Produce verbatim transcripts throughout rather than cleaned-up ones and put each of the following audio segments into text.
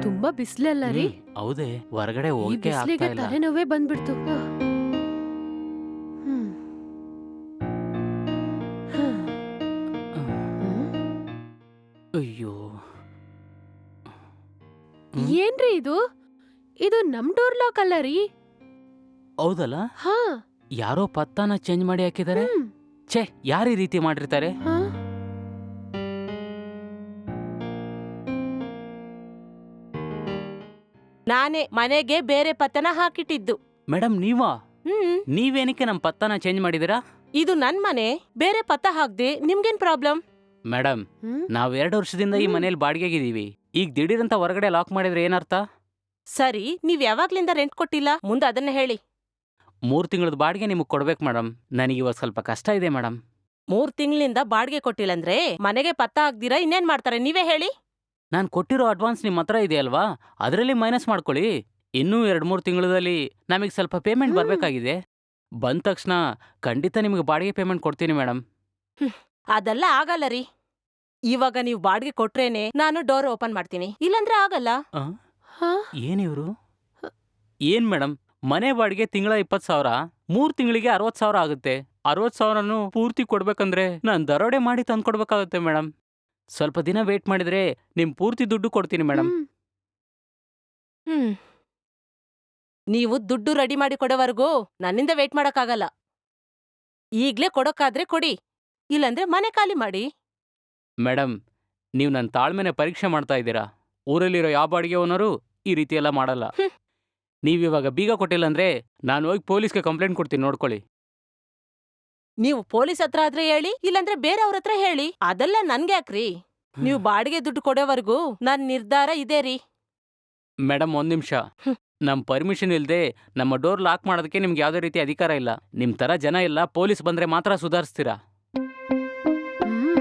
ತುಂಬಾ ಬಿಸ್ಲಲ್ಲ ರೀ. ಹೌದೇ, ಹೊರಗಡೆ ಈ ಹೋಗಕ್ಕೆ ಬಿಸ್ಲಿಗೆ ಆಗ್ತಾ ಇಲ್ಲ. ತಲೆನೋವೇ ಬಂದ್ಬಿಡ್ತು. ಹ್ಮ್. ಹ್ಮ್. ಹ್ಮ್. ಅಯ್ಯೋ, ಏನ್ರಿ ಇದು? ಇದು ನಮ್ ಡೋರ್ ಲಾಕ್ ಅಲ್ಲ ರೀ. ಹೌದಲ್ಲ, ಹಾ. ಯಾರೋ ಪತ್ತಾನ ಚೇಂಜ್ ಮಾಡಿ ಹಾಕಿದ್ದಾರೆ. ಹ್ಮ್. ಛೇ, ಯಾರು ಈ ರೀತಿ ಮಾಡಿರ್ತಾರೆ? ಹಾ? ನಾನೇ ಮನೆಗೆ ಬೇರೆ ಪತ್ತನ ಹಾಕಿಟ್ಟಿದ್ದು. ಮೇಡಮ್ ನೀವಾ? ಹ್ಮ್ ನೀವೇನಕ್ಕೆ ನಮ್ಮ ಪತ್ತಾನ ಚೇಂಜ್ ಮಾಡಿದಿರಾ? ಇದು ನನ್ ಮನೆ, ಬೇರೆ ಪತ್ತ ಹಾಕ್ದೆ ನಿಮ್ಗೇನ್ ಪ್ರಾಬ್ಲಮ್? ಮೇಡಮ್, ಹ್ಮ್. ನಾವ್ ಎರಡು ವರ್ಷದಿಂದ ಈ ಹ್ಮ್. ಮನೇಲಿ ಬಾಡಿಗೆಗಿದೀವಿ. ಈಗ ದಿಢೀರಂತ ಹೊರಗಡೆ ಲಾಕ್ ಮಾಡಿದ್ರೆ ಏನರ್ಥ? ಸರಿ, ನೀವ್ ಯಾವಾಗ್ಲಿಂದ ರೆಂಟ್ ಕೊಟ್ಟಿಲ್ಲ? ಮುಂದೆ ಅದನ್ನ ಹೇಳಿ. ಮೂರ್ ತಿಂಗಳದ ಬಾಡಿಗೆ ನಿಮಗ್ ಕೊಡ್ಬೇಕು ಮೇಡಮ್. ನನಗೆ ಇವಾಗ ಸ್ವಲ್ಪ ಕಷ್ಟ ಇದೆ ಮೇಡಮ್. ಮೂರ್ ತಿಂಗಳಿಂದ ಬಾಡಿಗೆ ಕೊಟ್ಟಿಲ್ಲ ಅಂದ್ರೆ ಮನೆಗೆ ಪತ್ತ ಹಾಕ್ದಿರಾ ಇನ್ನೇನ್ ಮಾಡ್ತಾರೆ ನೀವೇ ಹೇಳಿ? ನಾನು ಕೊಟ್ಟಿರೋ ಅಡ್ವಾನ್ಸ್ ನಿಮ್ಮ ಹತ್ರ ಇದೆ ಅಲ್ವಾ, ಅದರಲ್ಲಿ ಮೈನಸ್ ಮಾಡ್ಕೊಳ್ಳಿ. ಇನ್ನೂ ಎರಡು ಮೂರು ತಿಂಗಳಲ್ಲಿ ನಮಗೆ ಸ್ವಲ್ಪ ಪೇಮೆಂಟ್ ಹ್ಮ್. ಬರಬೇಕಾಗಿದೆ. ಬಂದ ತಕ್ಷಣ ಖಂಡಿತ ನಿಮಗೆ ಬಾಡಿಗೆ ಪೇಮೆಂಟ್ ಕೊಡ್ತೀನಿ ಮೇಡಮ್. ಅದೆಲ್ಲ ಆಗಲ್ಲ ರೀ. ಇವಾಗ ನೀವು ಬಾಡಿಗೆ ಕೊಟ್ರೇನೆ ನಾನು ಡೋರ್ ಓಪನ್ ಮಾಡ್ತೀನಿ, ಇಲ್ಲಂದ್ರೆ ಆಗಲ್ಲ. ಆ? ಹಾ? ಏನಿವ್ರು? ಏನ್ ಮೇಡಮ್, ಮನೆ ಬಾಡಿಗೆ ತಿಂಗಳ ಇಪ್ಪತ್ತು ಸಾವಿರ, ಮೂರು ತಿಂಗಳಿಗೆ ಅರವತ್ತು ಸಾವಿರ ಆಗುತ್ತೆ. ಅರವತ್ತು ಸಾವಿರನು ಪೂರ್ತಿ ಕೊಡ್ಬೇಕಂದ್ರೆ ನಾನು ದರೋಡೆ ಮಾಡಿ ತಂದ್ಕೊಡ್ಬೇಕಾಗುತ್ತೆ ಮೇಡಮ್. ಸ್ವಲ್ಪ ದಿನ ವೇಟ್ ಮಾಡಿದ್ರೆ ನಿಮ್ ಪೂರ್ತಿ ದುಡ್ಡು ಕೊಡ್ತೀನಿ ಮೇಡಮ್. ಹ್ಮ್. ಹ್ಮ್ ನೀವು ದುಡ್ಡು ರೆಡಿ ಮಾಡಿ ಕೊಡೋವರೆಗೂ ನನ್ನಿಂದ ವೇಟ್ ಮಾಡಕ್ಕಾಗಲ್ಲ. ಈಗ್ಲೇ ಕೊಡೋಕ್ಕಾದ್ರೆ ಕೊಡಿ, ಇಲ್ಲಂದ್ರೆ ಮನೆ ಖಾಲಿ ಮಾಡಿ. ಮೇಡಮ್, ನೀವು ನನ್ನ ತಾಳ್ಮೆನೆ ಪರೀಕ್ಷೆ ಮಾಡ್ತಾ ಇದ್ದೀರಾ. ಊರಲ್ಲಿರೋ ಯಾವ ಬಾಡಿಗೆ ಓನರು ಈ ರೀತಿ ಎಲ್ಲ ಮಾಡಲ್ಲ. ಹ್ಮ್. ನೀವಿವಾಗ ಬೀಗ ಕೊಟ್ಟಿಲ್ಲ ಅಂದ್ರೆ ನಾನು ಹೋಗಿ ಪೊಲೀಸ್ಗೆ ಕಂಪ್ಲೇಂಟ್ ಕೊಡ್ತೀನಿ, ನೋಡ್ಕೊಳ್ಳಿ. ನೀವು ಪೊಲೀಸ್ ಹತ್ರ ಆದ್ರೆ ಹೇಳಿ, ಇಲ್ಲಂದ್ರೆ ಬೇರೆಯವ್ರ ಹತ್ರ ಹೇಳಿ, ಅದೆಲ್ಲ ನನ್ಗೆ ಯಾಕ್ರಿ? ನೀವು ಬಾಡಿಗೆ ದುಡ್ಡು ಕೊಡೋವರೆಗೂ ನನ್ ನಿರ್ಧಾರ ಇದೆ ರೀ. ಮೇಡಮ್, ಒಂದ್ ನಿಮಿಷ. ಹ್ಮ್. ನಮ್ಮ ಪರ್ಮಿಷನ್ ಇಲ್ಲದೆ ನಮ್ಮ ಡೋರ್ ಲಾಕ್ ಮಾಡೋದಕ್ಕೆ ನಿಮ್ಗೆ ಯಾವುದೇ ರೀತಿ ಅಧಿಕಾರ ಇಲ್ಲ. ನಿಮ್ಮ ಥರ ಜನ ಎಲ್ಲ ಪೊಲೀಸ್ ಬಂದ್ರೆ ಮಾತ್ರ ಸುಧಾರಿಸ್ತೀರಾ. ಹ್ಮ್.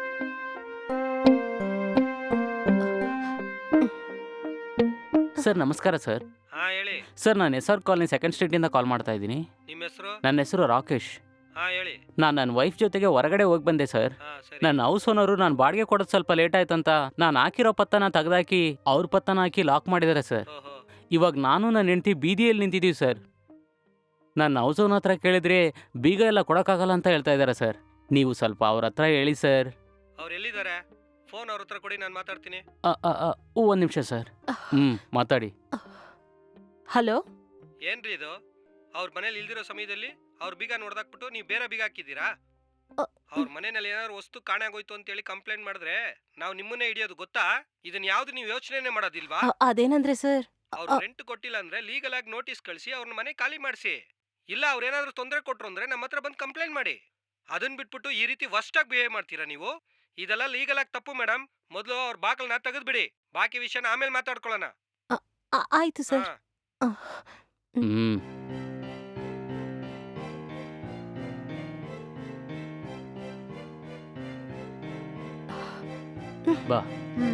ಸರ್ ನಮಸ್ಕಾರ ಸರ್. ಹಾ ಹೇಳಿ. ಸರ್, ನಾನು ಎಸ್ ಆರ್ ಕಾಲನಿ ಸೆಕೆಂಡ್ ಸ್ಟ್ರೀಟಿಂದ ಕಾಲ್ ಮಾಡ್ತಾ ಇದ್ದೀನಿ. ನಿಮ್ಮ ಹೆಸರು? ನನ್ನ ಹೆಸರು ರಾಕೇಶ್. ಹಾ ಹೇಳಿ. ನಾನು ನನ್ನ ವೈಫ್ ಜೊತೆಗೆ ಹೊರಗಡೆ ಹೋಗಿ ಬಂದೆ ಸರ್. ಹಾ ಸರಿ. ನನ್ನ ಹೌಸ್ ಓನರು ನಾನು ಬಾಡಿಗೆ ಕೊಡೋದು ಸ್ವಲ್ಪ ಲೇಟ್ ಆಯ್ತಂತ ನಾನು ಹಾಕಿರೋ ಪತ್ತನ ತೆಗೆದಾಕಿ ಅವ್ರ ಪತ್ತನ ಹಾಕಿ ಲಾಕ್ ಮಾಡಿದ್ದಾರೆ ಸರ್. ಓಹೋ. ಇವಾಗ ನಾನು ನನ್ನ ಹೆಂಡತಿ ಬೀದಿಯಲ್ಲಿ ನಿಂತಿದ್ದೀವಿ ಸರ್. ನನ್ನ ಹೌಸ್ ಓನರ್ ಹತ್ರ ಕೇಳಿದ್ರೆ ಬೀಗ ಎಲ್ಲ ಕೊಡೋಕ್ಕಾಗಲ್ಲ ಅಂತ ಹೇಳ್ತಾ ಇದ್ದಾರೆ ಸರ್. ನೀವು ಸ್ವಲ್ಪ ಅವ್ರ ಹತ್ರ ಹೇಳಿ ಸರ್. ಅವ್ರು ಎಲ್ಲಿದ್ದಾರೆ? ಫೋನ್ ಅವ್ರ ಹತ್ರ ಕೊಡಿ, ನಾನು ಮಾತಾಡ್ತೀನಿ. ಒಂದು ನಿಮಿಷ ಸರ್. ಹ್ಞೂ ಮಾತಾಡಿ. ಹಲೋ, ಏನ್ರಿ ಇದು? ಅವ್ರ ಮನೇಲಿ ಇಲ್ದಿರೋ ಸಮಯದಲ್ಲಿ ಅವ್ರ ಬೀಗ ನೋಡ್ದಾಕ್ಬಿಟ್ಟು ನೀವು ಬೇರೆ ಬೀಗ ಹಾಕಿದ್ದೀರಾ? ಅ, ಅವ್ರ ಮನೆಯಲ್ಲಿ ಏನಾದ್ರು ವಸ್ತು ಕಾಣಾಗೋಯ್ತು ಅಂತೇಳಿ ಕಂಪ್ಲೇಂಟ್ ಮಾಡಿದ್ರೆ ನಾವು ನಿಮ್ಮನ್ನೇ ಹಿಡಿಯೋದು ಗೊತ್ತಾ? ಇದನ್ನ ಯಾವ್ದು ನೀವು ಯೋಚನೆ ಮಾಡೋದಿಲ್ವಾ? ಅ- ಅದೇನಂದ್ರೆ ಸರ್, ಅವ್ರು ರೆಂಟ್ ಕೊಟ್ಟಿಲ್ಲ ಅಂದ್ರೆ ಲೀಗಲ್ ಆಗಿ ನೋಟಿಸ್ ಕಳಿಸಿ ಅವ್ರನ್ನ ಮನೆ ಖಾಲಿ ಮಾಡಿಸಿ. ಇಲ್ಲ ಅವ್ರೇನಾದ್ರೂ ತೊಂದರೆ ಕೊಟ್ರು ಅಂದ್ರೆ ನಮ್ಮ ಹತ್ರ ಬಂದು ಕಂಪ್ಲೇಂಟ್ ಮಾಡಿ. ಅದನ್ನ ಬಿಟ್ಬಿಟ್ಟು ಈ ರೀತಿ ವರ್ಸ್ಟ್ ಆಗಿ ಬಿಹೇವ್ ಮಾಡ್ತೀರಾ ನೀವು? ಇದೆಲ್ಲ ಲೀಗಲ್ ಆಗಿ ತಪ್ಪು ಮೇಡಮ್. ಮೊದಲು ಅವ್ರ ಬಾಕಲ್ನ ತೆಗೆದ್ಬಿಡಿ, ಬಾಕಿ ವಿಷಯನ ಆಮೇಲೆ ಮಾತಾಡ್ಕೊಳ್ಳೋಣ. ಆ- ಆಯ್ತು ಸರ್. ಹಾ. ಹ್ಞೂ ಬಾ. ಹ್ಮ್.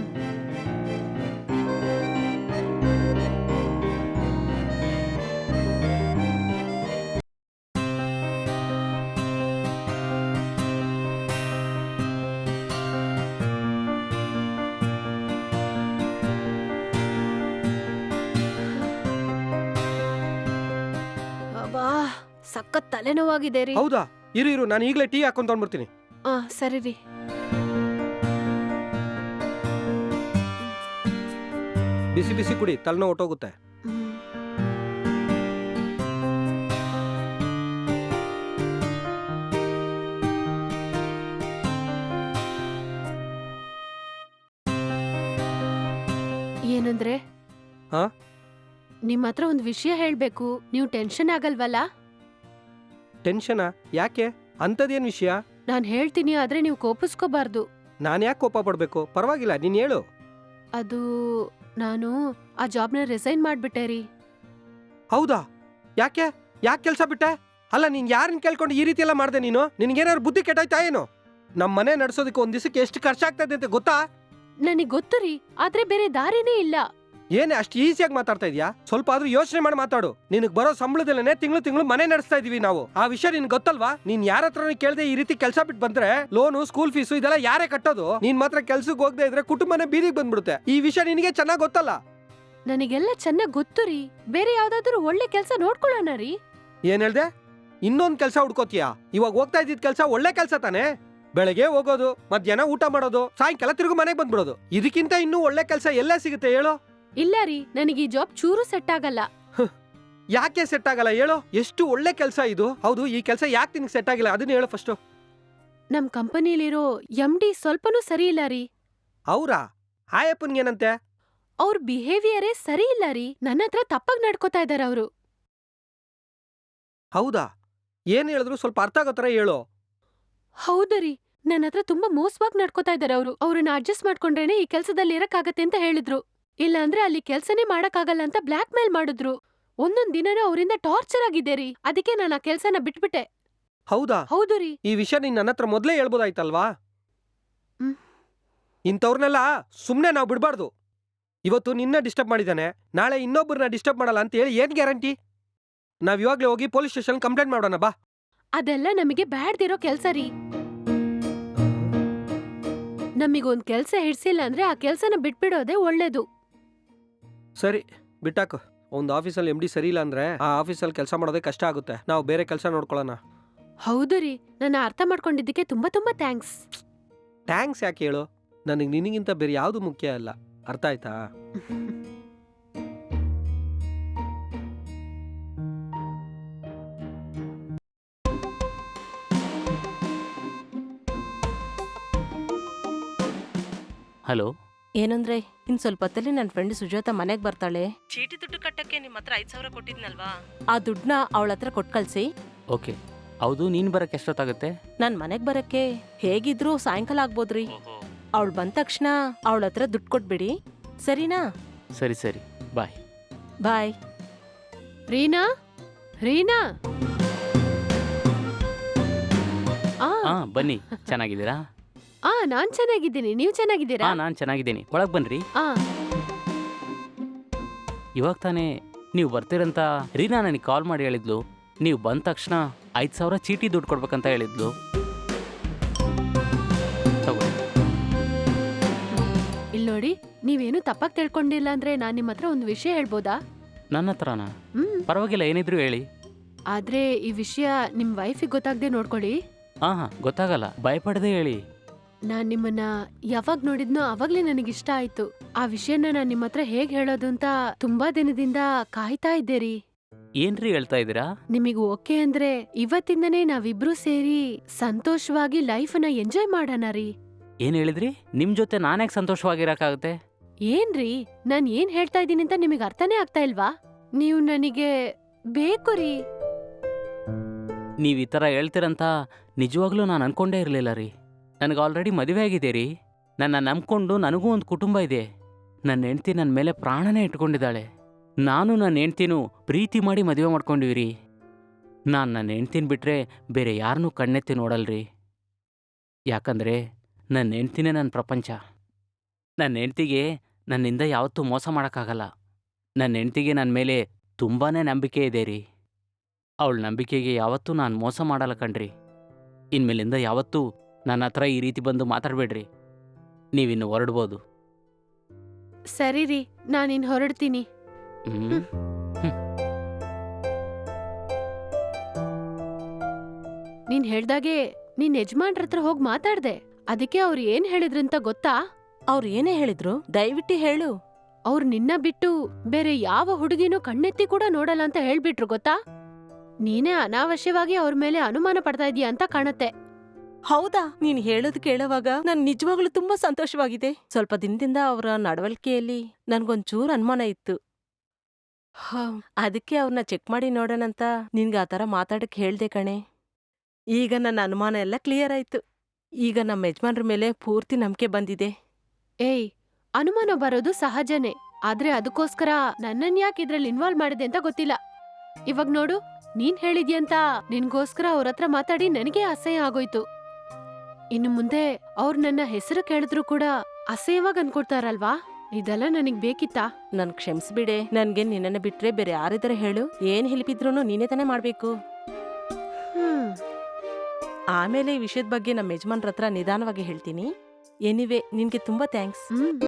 ಅಬ್ಬಾ, ಸಖತ್ ತಲೆನೋವಾಗಿದೆ ರೀ. ಹೌದಾ? ಇರು ಇರು, ನಾನು ಈಗಲೇ ಟೀ ಹಾಕೊಂಡ್ ತಗೊಂಡ್ಬರ್ತೀನಿ. ಆ, ಸರಿ ರೀ. ಬಿಸಿ ಬಿಸಿ ಕುಡಿ, ತಲೆನೋವು ಹೊಟ್ಟೋಗುತ್ತೆ. ಹ್ಮ್. ಏನಂದ್ರೆ? ಹಾ? ನಿಮ್ ಹತ್ರ ಒಂದ್ ವಿಷಯ ಹೇಳ್ಬೇಕು. ನೀವು ಟೆನ್ಷನ್ ಆಗಲ್ವಲ್ಲ? ಟೆನ್ಷನಾ? ಯಾಕೆ? ಅಂಥದ್ದೇನು ವಿಷಯ? ನಾನ್ ಹೇಳ್ತೀನಿ, ಆದ್ರೆ ನೀವು ಕೋಪಿಸ್ಕೋಬಾರ್ದು. ನಾನು ಯಾಕೆ ಕೋಪ ಪಡ್ಬೇಕು? ಪರವಾಗಿಲ್ಲ, ನೀನು ಹೇಳು. ಅದು ನಾನು ಆ ಜಾಬ್ನ ರಿಸೈನ್ ಮಾಡ್ಬಿಟ್ಟೆ ರೀ. ಹೌದಾ? ಯಾಕೆ? ಯಾಕೆ ಕೆಲಸ ಬಿಟ್ಟೆ? ಅಲ್ಲ, ನೀನ್ ಯಾರನ್ನ ಕೇಳ್ಕೊಂಡು ಈ ರೀತಿ ಎಲ್ಲ ಮಾಡ್ದೆ ನೀನು? ನಿನ್ಗೇನಾದ್ರು ಬುದ್ಧಿ ಕೆಟ್ಟಾಯ್ತಾ ಏನು? ನಮ್ಮ ಮನೆ ನಡೆಸೋದಕ್ಕೆ ಒಂದ್ ದಿವಸಕ್ಕೆ ಎಷ್ಟು ಖರ್ಚಾಗ್ತದೆ ಅಂತ ಗೊತ್ತಾ? ನನಗ್ ಗೊತ್ತು ರೀ, ಆದ್ರೆ ಬೇರೆ ದಾರಿನೇ ಇಲ್ಲ. ಏನೇ ಅಷ್ಟು ಈಸಿಯಾಗಿ ಮಾತಾಡ್ತಾ ಇದೀಯಾ? ಸ್ವಲ್ಪ ಆದ್ರೂ ಯೋಚನೆ ಮಾಡಿ ಮಾತಾಡು. ನಿನಗೆ ಬರೋ ಸಂಬಳದಲ್ಲೇ ತಿಂಗಳು ತಿಂಗಳು ಮನೆ ನಡೆಸ್ತಾ ಇದೀವಿ ನಾವು. ಆ ವಿಷಯ ನಿನ್ಗೆ ಗೊತ್ತಲ್ವಾ? ನೀನ್ ಯಾರ ಹತ್ರನೂ ಕೇಳದೆ ಈ ರೀತಿ ಕೆಲಸ ಬಿಟ್ಟು ಬಂದ್ರೆ ಲೋನು, ಸ್ಕೂಲ್ ಫೀಸು ಇದೆಲ್ಲ ಯಾರೇ ಕಟ್ಟೋದು? ನೀನ್ ಮಾತ್ರ ಕೆಲ್ಸಕ್ಕೆ ಹೋಗದೆ ಇದ್ರೆ ಕುಟುಂಬನೇ ಬೀದಿಗೆ ಬಂದ್ಬಿಡುತ್ತೆ. ಈ ವಿಷಯ ನಿನಗೆ ಚೆನ್ನಾಗಿ ಗೊತ್ತಲ್ಲ. ನನಗೆಲ್ಲ ಚೆನ್ನಾಗ್ ಗೊತ್ತು ರೀ. ಬೇರೆ ಯಾವ್ದಾದ್ರು ಒಳ್ಳೆ ಕೆಲ್ಸ ನೋಡ್ಕೊಳ್ಳೋಣ ರೀ. ಏನ್ ಹೇಳ್ದೆ? ಇನ್ನೊಂದ್ ಕೆಲ್ಸ ಹುಡ್ಕೋತಿಯಾ? ಇವಾಗ ಹೋಗ್ತಾ ಇದ್ದಿದ್ ಕೆಲ್ಸ ಒಳ್ಳೆ ಕೆಲ್ಸ ತಾನೇ? ಬೆಳಗ್ಗೆ ಹೋಗೋದು, ಮಧ್ಯಾಹ್ನ ಊಟ ಮಾಡೋದು, ಸಾಯಂಕಾಲ ತಿರುಗು ಮನೆಗೆ ಬಂದ್ಬಿಡೋದು. ಇದಕ್ಕಿಂತ ಇನ್ನೂ ಒಳ್ಳೆ ಕೆಲ್ಸ ಎಲ್ಲೇ ಸಿಗುತ್ತೆ ಹೇಳು? ಇಲ್ಲ ರೀ, ನನಗೆ ಈ ಜಾಬ್ ಚೂರು ಸೆಟ್ ಆಗಲ್ಲ. ಯಾಕೆ ಸೆಟ್ ಆಗಲ್ಲ ಹೇಳು? ಎಷ್ಟು ಒಳ್ಳೆ ಕೆಲ್ಸ ಇದು. ಹೌದು, ಈ ಕೆಲ್ಸ ಯಾಕೆ ನಿನ್ಗೆ ಸೆಟ್ ಆಗಿಲ್ಲ ಅದನ್ನ ಹೇಳು ಫಸ್ಟ್. ನಮ್ ಕಂಪನಿಲಿರೋ ಎಂ ಡಿ ಸ್ವಲ್ಪನೂ ಸರಿ ಇಲ್ಲ ರೀ. ಅವ್ರಾ? ಆಯಪ್ಪನ್ಗೇನಂತೆ? ಅವ್ರ ಬಿಹೇವಿಯರೇ ಸರಿ ಇಲ್ಲ ರೀ. ನನ್ನ ಹತ್ರ ತಪ್ಪಾಗ್ ನಡ್ಕೋತಾ ಇದಾರೆ ಅವರು. ಹೌದಾ? ಏನ್ ಹೇಳಿದ್ರು ಸ್ವಲ್ಪ ಅರ್ಥ ಆಗೋ ಥರ ಹೇಳು. ಹೌದು ರೀ, ನನ್ನ ಹತ್ರ ತುಂಬಾ ಮೋಸವಾಗಿ ನಡ್ಕೋತಾ ಇದಾರೆ ಅವರು. ಅವ್ರನ್ನ ಅಡ್ಜಸ್ಟ್ ಮಾಡ್ಕೊಂಡ್ರೇನೆ ಈ ಕೆಲ್ಸದಲ್ಲಿ ಇರಕ್ಕಾಗತ್ತೆ ಅಂತ ಹೇಳಿದ್ರು. ಇಲ್ಲ ಅಂದ್ರೆ ಅಲ್ಲಿ ಕೆಲ್ಸನೇ ಮಾಡಕ್ಕಾಗಲ್ಲ ಅಂತ ಬ್ಲಾಕ್ ಮೇಲ್ ಮಾಡಿದ್ರು. ಒಂದೊಂದ್ ದಿನನೂ ಅವರಿಂದ ಟಾರ್ಚರ್ ಆಗಿದೆ ರೀ. ಅದಕ್ಕೆ ನಾನು ಆ ಕೆಲ್ಸನ ಬಿಟ್ಬಿಟ್ಟೆ. ಹೌದಾ? ಹೌದು ರೀ. ಈ ವಿಷಯ ನೀನ್ ನನ್ನ ಹತ್ರ ಮೊದ್ಲೇ ಹೇಳ್ಬೋದಾಯ್ತಲ್ವಾ? ಹ್ಮ್. ಇಂಥವ್ರನ್ನೆಲ್ಲ ಸುಮ್ನೆ ನಾವು ಬಿಡ್ಬಾರ್ದು. ಇವತ್ತು ನಿನ್ನ ಡಿಸ್ಟರ್ಬ್ ಮಾಡಿದಾನೆ, ನಾಳೆ ಇನ್ನೊಬ್ಬರನ್ನ ಡಿಸ್ಟರ್ಬ್ ಮಾಡಲ್ಲ ಅಂತ ಹೇಳಿ ಏನ್ ಗ್ಯಾರಂಟಿ? ನಾವ್ ಇವಾಗ್ಲೇ ಹೋಗಿ ಪೊಲೀಸ್ ಸ್ಟೇಷನ್ ಕಂಪ್ಲೇಂಟ್ ಮಾಡೋಣ ಬಾ. ಅದೆಲ್ಲ ನಮಗೆ ಬ್ಯಾಡ್ದಿರೋ ಕೆಲ್ಸ ರೀ. ನಮಿಗೊಂದ್ ಕೆಲ್ಸ ಹಿಡ್ಸಿಲ್ಲ ಅಂದ್ರೆ ಆ ಕೆಲ್ಸನ ಬಿಟ್ಬಿಡೋದೇ ಒಳ್ಳೇದು. ಸರಿ, ಬಿಟ್ಟಾಕು. ಒಂದು ಆಫೀಸಲ್ಲಿ ಎಮ್ ಡಿ ಸರಿ ಇಲ್ಲ ಅಂದ್ರೆ ಆ ಆಫೀಸಲ್ಲಿ ಕೆಲಸ ಮಾಡೋದೇ ಕಷ್ಟ ಆಗುತ್ತೆ. ನಾವು ಬೇರೆ ಕೆಲಸ ನೋಡ್ಕೊಳ್ಳೋಣ. ಹೌದು ರೀ, ನನ್ನ ಅರ್ಥ ಮಾಡ್ಕೊಂಡಿದ್ದಕ್ಕೆ ತುಂಬಾ ತುಂಬಾ ಥ್ಯಾಂಕ್ಸ್. ಥ್ಯಾಂಕ್ಸ್ ಯಾಕೆ ಹೇಳು? ನನಗೆ ನಿನಗಿಂತ ಬೇರೆ ಯಾವುದು ಮುಖ್ಯ ಅಲ್ಲ. ಅರ್ಥ ಆಯ್ತಾ? ಹಲೋ. ಏನಂದ್ರೆ ಇನ್ ಸ್ವಲ್ಪ ಹೊತ್ತಲ್ಲಿ ನನ್ನ ಫ್ರೆಂಡ್ ಸುಜಾತ ಮನೆಗ್ ಬರ್ತಾಳೆ. ಚೀಟಿ ದುಡ್ಡು ಕಟ್ಟಕ್ಕೆ ನಿಮ್ ಹತ್ರ ಐದ್ ಸಾವಿರ ಕೊಟ್ಟಿದ್ನಲ್ವಾ, ಆ ದುಡ್ಡನ್ನ ಅವಳ ಹತ್ರ ಕೊಟ್ ಕಳ್ಸಿ. ಓಕೆ. ಹೌದು, ನೀನು ಬರೋಕ್ಕೆ ಎಷ್ಟೊತ್ತಾಗುತ್ತೆ? ನಾನ್ ಮನೆಗ್ ಬರಕ್ಕೆ ಹೇಗಿದ್ರು ಸಾಯಂಕಾಲ ಆಗ್ಬೋದ್ರಿ. ಅವಳು ಬಂದ ತಕ್ಷಣ ಅವಳ ಹತ್ರ ದುಡ್ಡು ಕೊಟ್ಬಿಡಿ, ಸರಿನಾ? ಸರಿ ಸರಿ, ಬಾಯ್. ಬಾಯ್. ರೀನಾ, ರೀನಾ. ಆ ಹಾ, ಬನ್ನಿ. ಚೆನ್ನಾಗಿದ್ದೀರಾ? ಆ ನಾನ್ ಚೆನ್ನಾಗಿದ್ದೀನಿ. ನೀವ್ ಚೆನ್ನಾಗಿದ್ದೀರಾ? ಹಾ, ನಾನು ಚೆನ್ನಾಗಿದ್ದೀನಿ. ಒಳಗೆ ಬನ್ನಿರಿ. ಆ ಇವಾಗ ತಾನೇ ನೀವು ಬರ್ತೀರಂತ ರೀನಾ ನನಗೆ ಕಾಲ್ ಮಾಡಿ ಹೇಳಿದ್ಲು. ನೀವು ಬಂದ ತಕ್ಷಣ ಐದು ಸಾವಿರ ಚೀಟಿ ದುಡ್ಡು ಕೊಡ್ಬೇಕಂತ ಹೇಳಿದ್ಲು. ತಗೊಳ್ಳಿ. ಇಲ್ ನೋಡಿ, ನೀವೇನು ತಪ್ಪಾಗಿ ತಿಳ್ಕೊಂಡಿಲ್ಲ ಅಂದ್ರೆ ನಾನ್ ನಿಮ್ ಹತ್ರ ಒಂದು ವಿಷಯ ಹೇಳ್ಬೋದಾ? ನನ್ನ ಹತ್ರನಾ? ಹ್ಮ್. ಪರವಾಗಿಲ್ಲ, ಏನಿದ್ರು ಹೇಳಿ. ಆದ್ರೆ ಈ ವಿಷಯ ನಿಮ್ ವೈಫಿಗೆ ಗೊತ್ತಾಗ್ದೆ ನೋಡ್ಕೊಳ್ಳಿ. ಹಾ ಹಾ, ಗೊತ್ತಾಗಲ್ಲ, ಭಯಪಡದೆ ಹೇಳಿ. ನಾನ್ ನಿಮ್ಮನ್ನ ಯಾವಾಗ ನೋಡಿದ್ನೋ ಅವಾಗ್ಲೇ ನನಗಿಷ್ಟ ಆಯ್ತು. ಆ ವಿಷಯನ ನಾನ್ ನಿಮ್ ಹತ್ರ ಹೇಗ್ ಹೇಳೋದು ಅಂತ ತುಂಬಾ ದಿನದಿಂದ ಕಾಯ್ತಾ ಇದ್ದೆ ರೀ. ಏನ್ರಿ ಹೇಳ್ತಾ ಇದ್ದೀರಾ? ನಿಮಗ್ ಓಕೆ ಅಂದ್ರೆ ಇವತ್ತಿಂದನೇ ನಾವಿಬ್ರು ಸೇರಿ ಸಂತೋಷವಾಗಿ ಲೈಫ್ನ ಎಂಜಾಯ್ ಮಾಡೋಣ ರೀ. ಏನ್ ಹೇಳಿದ್ರಿ? ನಿಮ್ ಜೊತೆ ನಾನ್ಯಾಕೆ ಸಂತೋಷವಾಗಿರಕ್ಕಾಗತ್ತೆ? ಏನ್ರಿ, ನಾನ್ ಏನ್ ಹೇಳ್ತಾ ಇದ್ದೀನಿ ಅಂತ ನಿಮಗ್ ಅರ್ಥನೇ ಆಗ್ತಾ ಇಲ್ವಾ? ನೀವು ನನಗೆ ಬೇಕು ರೀ. ನೀವು ಈ ಥರ ಹೇಳ್ತೀರಂತ ನಿಜವಾಗ್ಲೂ ನಾನು ಅನ್ಕೊಂಡೇ ಇರಲಿಲ್ಲ ರೀ. ನನಗೆ ಆಲ್ರೆಡಿ ಮದುವೆ ಆಗಿದೆ ರೀ. ನನ್ನ ನಂಬ್ಕೊಂಡು ನನಗೂ ಒಂದು ಕುಟುಂಬ ಇದೆ. ನನ್ನ ಹೆಂಡ್ತಿ ನನ್ನ ಮೇಲೆ ಪ್ರಾಣನೇ ಇಟ್ಕೊಂಡಿದ್ದಾಳೆ. ನಾನು ನನ್ನ ಹೆಂಡ್ತಿನೂ ಪ್ರೀತಿ ಮಾಡಿ ಮದುವೆ ಮಾಡ್ಕೊಂಡಿವಿ ರೀ. ನಾನು ನನ್ನ ಹೆಂಡ್ತಿನ ಬಿಟ್ಟರೆ ಬೇರೆ ಯಾರನ್ನೂ ಕಣ್ಣೆತ್ತಿ ನೋಡಲ್ರಿ. ಯಾಕಂದರೆ ನನ್ನ ಹೆಂಡ್ತಿನೇ ನನ್ನ ಪ್ರಪಂಚ. ನನ್ನ ಹೆಂಡ್ತಿಗೆ ನನ್ನಿಂದ ಯಾವತ್ತೂ ಮೋಸ ಮಾಡೋಕ್ಕಾಗಲ್ಲ. ನನ್ನ ಹೆಂಡ್ತಿಗೆ ನನ್ನ ಮೇಲೆ ತುಂಬಾ ನಂಬಿಕೆ ಇದೆ ರೀ. ಅವಳ ನಂಬಿಕೆಗೆ ಯಾವತ್ತೂ ನಾನು ಮೋಸ ಮಾಡಲ್ಲ ಕಣ್ರಿ. ಇನ್ಮೇಲಿಂದ ಯಾವತ್ತೂ ನನ್ನ ಹತ್ರ ಈ ರೀತಿ ಬಂದು ಮಾತಾಡಬೇಡ್ರಿ. ನೀವಿನ್ನು ಹೊರಡ್ಬೋದು. ಸರಿ ರೀ, ನಾನಿನ್ ಹೊರಡ್ತೀನಿ. ಹ್ಮ್. ನೀನ್ ಹೇಳ್ದಾಗೆ ನಿನ್ ಯಜಮಾನ್ರ ಹತ್ರ ಹೋಗಿ ಮಾತಾಡ್ದೆ. ಅದಕ್ಕೆ ಅವ್ರು ಏನ್ ಹೇಳಿದ್ರಂತ ಗೊತ್ತಾ? ಅವ್ರು ಏನೇ ಹೇಳಿದ್ರು ದಯವಿಟ್ಟು ಹೇಳು. ಅವ್ರು ನಿನ್ನ ಬಿಟ್ಟು ಬೇರೆ ಯಾವ ಹುಡುಗಿನೂ ಕಣ್ಣೆತ್ತಿ ಕೂಡ ನೋಡಲ್ಲ ಅಂತ ಹೇಳ್ಬಿಟ್ರು ಗೊತ್ತಾ? ನೀನೇ ಅನಾವಶ್ಯವಾಗಿ ಅವ್ರ ಮೇಲೆ ಅನುಮಾನ ಪಡ್ತಾ ಇದೀಯ ಅಂತ ಕಾಣತ್ತೆ. ಹೌದಾ? ನೀನ್ ಹೇಳೋದು ಕೇಳುವಾಗ ನನ್ ನಿಜವಾಗ್ಲೂ ತುಂಬಾ ಸಂತೋಷವಾಗಿದೆ. ಸ್ವಲ್ಪ ದಿನದಿಂದ ಅವರ ನಡವಳಿಕೆಯಲ್ಲಿ ನನ್ಗೊಂಚೂರು ಅನುಮಾನ ಇತ್ತು. ಹ, ಅದಕ್ಕೆ ಅವ್ರನ್ನ ಚೆಕ್ ಮಾಡಿ ನೋಡೋಣಂತ ನಿನ್ಗೆ ಆ ಥರ ಮಾತಾಡಕ್ ಹೇಳ್ದೆ ಕಣೆ. ಈಗ ನನ್ನ ಅನುಮಾನ ಎಲ್ಲ ಕ್ಲಿಯರ್ ಆಯ್ತು. ಈಗ ನಮ್ಮ ಯಜಮಾನ್ರ ಮೇಲೆ ಪೂರ್ತಿ ನಂಬಿಕೆ ಬಂದಿದೆ. ಏಯ್, ಅನುಮಾನ ಬರೋದು ಸಹಜನೇ. ಆದ್ರೆ ಅದಕ್ಕೋಸ್ಕರ ನನ್ನನ್ ಯಾಕೆ ಇದ್ರಲ್ಲಿ ಇನ್ವಾಲ್ವ್ ಮಾಡಿದೆ ಅಂತ ಗೊತ್ತಿಲ್ಲ. ಇವಾಗ ನೋಡು, ನೀನ್ ಹೇಳಿದ್ಯಂತ ನಿನ್ಗೋಸ್ಕರ ಅವ್ರ ಹತ್ರ ಮಾತಾಡಿ ನನಗೆ ಅಸಹ್ಯ ಆಗೋಯ್ತು. ಇನ್ನು ಮುಂದೆ ಅವ್ರು ನನ್ನ ಹೆಸರು ಕೇಳಿದ್ರು ಕೂಡ ಅಸಹ್ಯವಾಗಿ ಅನ್ಕೊಡ್ತಾರಲ್ವಾ? ಇದೆಲ್ಲ ನನಗ್ ಬೇಕಿತ್ತಾ? ನನ್ ಕ್ಷಮಿಸ್ಬಿಡೆ. ನನ್ಗೆ ನಿನ್ನನ್ನ ಬಿಟ್ರೆ ಬೇರೆ ಯಾರಿದ್ದಾರೆ ಹೇಳು? ಏನ್ ಹೆಲ್ಪಿದ್ರೂ ನೀನೇ ತಾನೇ ಮಾಡ್ಬೇಕು. ಹ್ಮ್. ಆಮೇಲೆ ಈ ವಿಷಯದ ಬಗ್ಗೆ ನಮ್ಮ ಯಜಮಾನ್ರ ಹತ್ರ ನಿಧಾನವಾಗಿ ಹೇಳ್ತೀನಿ. ಎನಿವೆ, ನಿನ್ಗೆ ತುಂಬಾ ಥ್ಯಾಂಕ್ಸ್. ಹ್ಮ್